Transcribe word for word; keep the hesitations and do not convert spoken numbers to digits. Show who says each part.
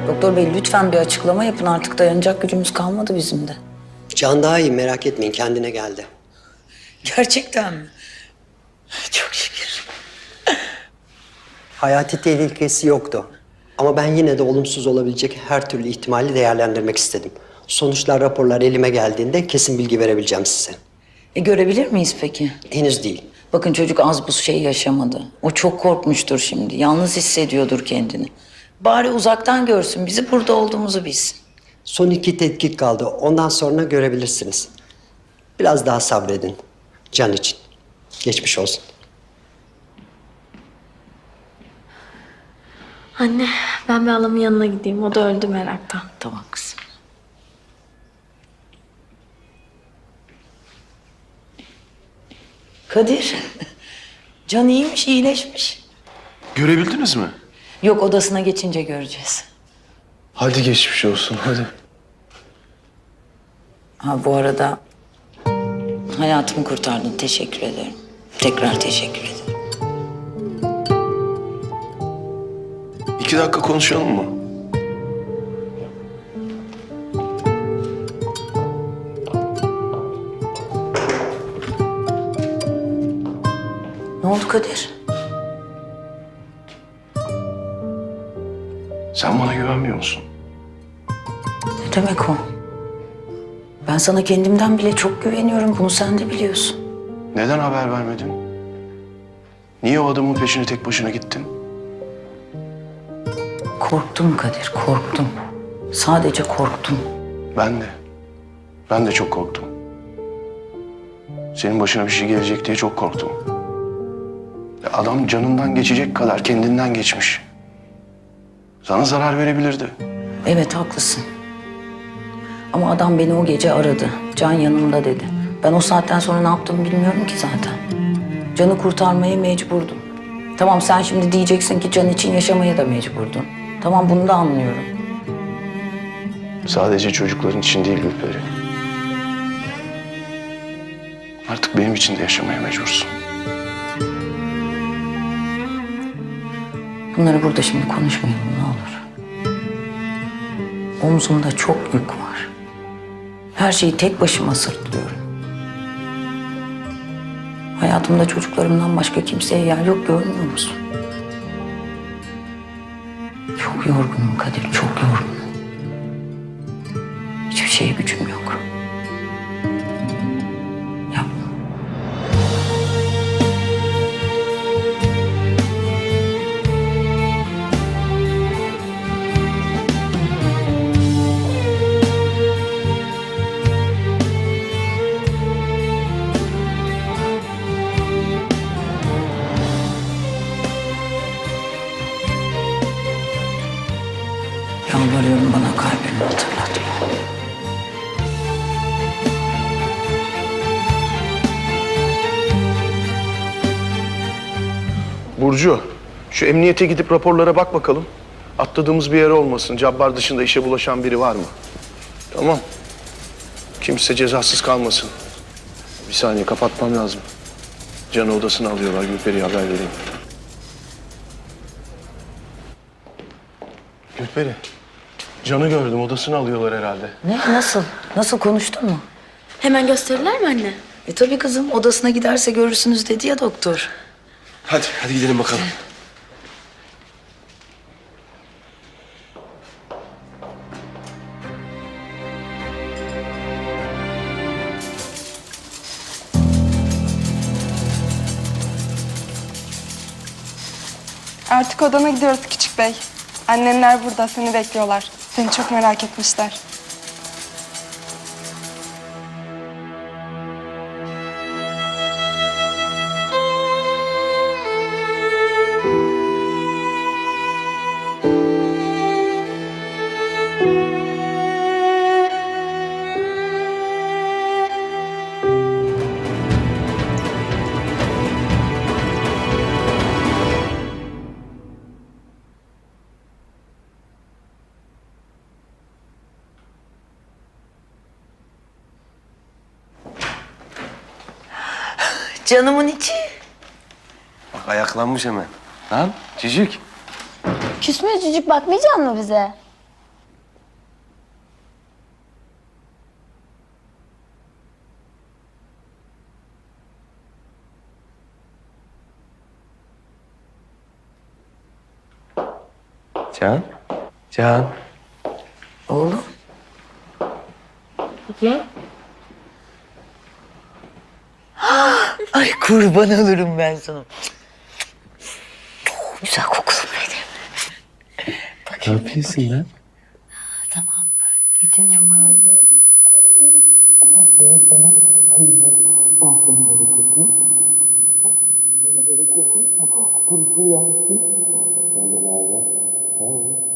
Speaker 1: Doktor bey lütfen bir açıklama yapın. Artık dayanacak gücümüz kalmadı bizim de.
Speaker 2: Can daha iyi, merak etmeyin, kendine geldi.
Speaker 1: Gerçekten mi? Çok şükür.
Speaker 2: Hayati tehlikesi yoktu. Ama ben yine de olumsuz olabilecek her türlü ihtimali değerlendirmek istedim. Sonuçlar, raporlar elime geldiğinde kesin bilgi verebileceğim size.
Speaker 1: E görebilir miyiz peki?
Speaker 2: Henüz değil.
Speaker 1: Bakın çocuk az bu şey yaşamadı. O çok korkmuştur şimdi. Yalnız hissediyordur kendini. Bari uzaktan görsün, bizi burada olduğumuzu bilsin.
Speaker 2: Son iki tetkik kaldı. Ondan sonra görebilirsiniz. Biraz daha sabredin. Can için. Geçmiş olsun.
Speaker 3: Anne, ben bir halamın yanına gideyim. O da öldü meraktan.
Speaker 1: Tamam kızım. Kadir, Can iyiymiş, iyileşmiş.
Speaker 4: Görebildiniz mi?
Speaker 1: Yok, odasına geçince göreceğiz.
Speaker 4: Hadi geçmiş olsun, hadi.
Speaker 1: Ha bu arada hayatımı kurtardın, teşekkür ederim. Tekrar teşekkür ederim.
Speaker 4: İki dakika konuşalım mı?
Speaker 1: Ne oldu Kadir?
Speaker 4: Sen bana güvenmiyor musun?
Speaker 1: Ne demek o? Ben sana kendimden bile çok güveniyorum. Bunu sen de biliyorsun.
Speaker 4: Neden haber vermedin? Niye o adamın peşine tek başına gittin?
Speaker 1: Korktum Kadir, korktum. Sadece korktum.
Speaker 4: Ben de. Ben de çok korktum. Senin başına bir şey gelecek diye çok korktum. Ya adam canından geçecek kadar kendinden geçmiş. Sana zarar verebilirdi.
Speaker 1: Evet, haklısın. Ama adam beni o gece aradı. Can yanımda dedi. Ben o saatten sonra ne yaptığımı bilmiyorum ki zaten. Can'ı kurtarmaya mecburdum. Tamam, sen şimdi diyeceksin ki Can için yaşamaya da mecburdun. Tamam, bunu da anlıyorum.
Speaker 4: Sadece çocukların için değil Gülperi. Artık benim için de yaşamaya mecbursun.
Speaker 1: Bunları burada şimdi konuşmayalım, ne olur. Omzumda çok yük var. Her şeyi tek başıma sırtlıyorum. Hayatımda çocuklarımdan başka kimseye yer yok, görmüyor musun? Çok yorgunum Kadir, çok yorgunum. Hiçbir şeye gücüm yok. Yapma. Yalvarıyorum, bana kalbimi hatırlatma.
Speaker 4: Burcu, şu emniyete gidip raporlara bak bakalım. Atladığımız bir yer olmasın. Cabbar dışında işe bulaşan biri var mı? Tamam. Kimse cezasız kalmasın. Bir saniye, kapatmam lazım. Can'ı odasına alıyorlar. Gülperi'ye haber vereyim. Gülperi, Can'ı gördüm. Odasına alıyorlar herhalde.
Speaker 1: Ne? Nasıl? Nasıl, konuştun mu?
Speaker 3: Hemen gösterirler mi anne?
Speaker 1: E tabii kızım, odasına giderse görürsünüz dedi ya doktor.
Speaker 4: Hadi, hadi gidelim bakalım.
Speaker 5: Artık odana gidiyoruz küçük bey. Annenler burada, seni bekliyorlar. Seni çok merak etmişler.
Speaker 1: Canımın içi.
Speaker 4: Bak ayaklanmış hemen. Lan cicik.
Speaker 6: Küsme cücük, bakmayacak mı bize? Can? Can?
Speaker 1: Oğlum.
Speaker 7: Ay kurban olurum ben sana. Oh, güzel kokulu benim.
Speaker 6: Ne yapıyorsun lan?
Speaker 7: Tamam. Getir çok özledim.
Speaker 6: Sen de nerede?